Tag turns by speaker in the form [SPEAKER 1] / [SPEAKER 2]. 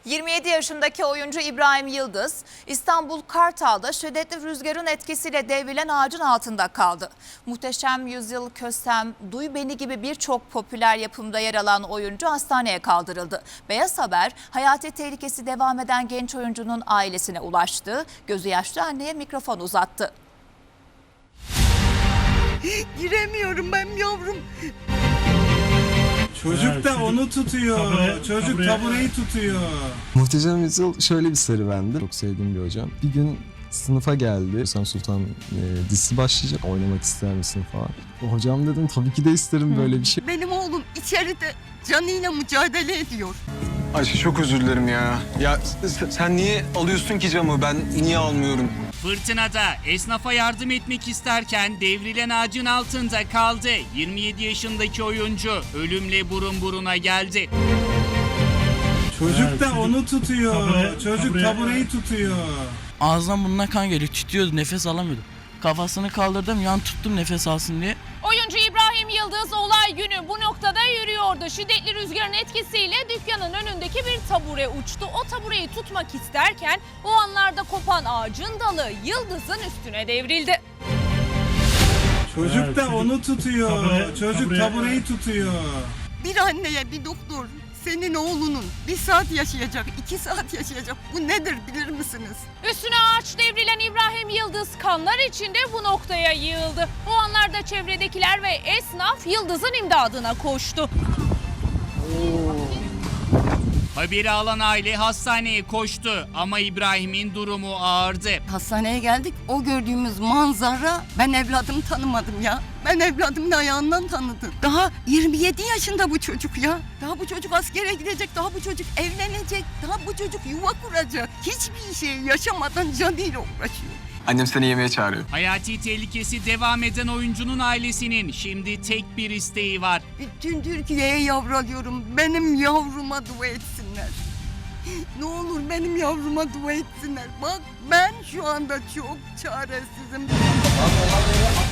[SPEAKER 1] 27 yaşındaki oyuncu İbrahim Yıldız, İstanbul Kartal'da şiddetli rüzgarın etkisiyle devrilen ağacın altında kaldı. Muhteşem Yüzyıl, Kösem, Duy Beni gibi birçok popüler yapımda yer alan oyuncu hastaneye kaldırıldı. Beyaz Haber, hayati tehlikesi devam eden genç oyuncunun ailesine ulaştı. Gözü yaşlı anneye mikrofon uzattı.
[SPEAKER 2] Giremiyorum ben yavrum.
[SPEAKER 3] Çocuk da onu tutuyor. Çocuk tabureyi tutuyor.
[SPEAKER 4] Muhteşem Yüzyıl şöyle bir serüvendi. Çok sevdiğim bir hocam. Bir gün sınıfa geldi. Sen Sultan dizisi başlayacak. Oynamak ister misin falan. Hocam dedim tabii ki de isterim böyle bir şey.
[SPEAKER 2] Benim oğlum içeride canıyla mücadele ediyor.
[SPEAKER 5] Ayşe çok özür dilerim ya. Ya sen niye alıyorsun ki camı? Ben niye almıyorum?
[SPEAKER 6] Fırtınada esnafa yardım etmek isterken devrilen ağacın altında kaldı. 27 yaşındaki oyuncu ölümle burun buruna geldi.
[SPEAKER 3] Çocuk da onu tutuyor. Çocuk tabureyi tutuyor.
[SPEAKER 7] Ağzından burnuna kan geliyor, titriyordu, nefes alamıyordu. Kafasını kaldırdım, yan tuttum nefes alsın diye.
[SPEAKER 8] Oyuncu İbrahim Yıldız olay günü bu noktada yürüyordu. Şiddetli rüzgarın etkisiyle dükkanın önündeki bir tabure uçtu. O tabureyi tutmak isterken o anlarda kopan ağacın dalı Yıldız'ın üstüne devrildi.
[SPEAKER 3] Çocuk da onu tutuyor. Çocuk tabureyi tutuyor.
[SPEAKER 2] Bir anneye bir doktor senin oğlunun 1 saat yaşayacak, 2 saat yaşayacak. Bu nedir bilir misiniz?
[SPEAKER 8] Üstüne ağaç devrilen İbrahim Yıldız kanlar içinde bu noktaya yığıldı. O anlarda çevredekiler ve esnaf Yıldız'ın imdadına koştu.
[SPEAKER 6] Haberi alan aile hastaneye koştu ama İbrahim'in durumu ağırdı.
[SPEAKER 2] Hastaneye geldik. O gördüğümüz manzara, ben evladımı tanımadım ya. Ben evladımın ayağından tanıdım. Daha 27 yaşında bu çocuk ya. Daha bu çocuk askere gidecek, daha bu çocuk evlenecek, daha bu çocuk yuva kuracak. Hiçbir şey yaşamadan canıyla uğraşıyor.
[SPEAKER 5] Annem seni yemeğe çağırıyor.
[SPEAKER 6] Hayati tehlikesi devam eden oyuncunun ailesinin şimdi tek bir isteği var.
[SPEAKER 2] Bütün Türkiye'ye yavralıyorum. Benim yavruma dua etsinler. Ne olur benim yavruma dua etsinler. Bak ben şu anda çok çaresizim.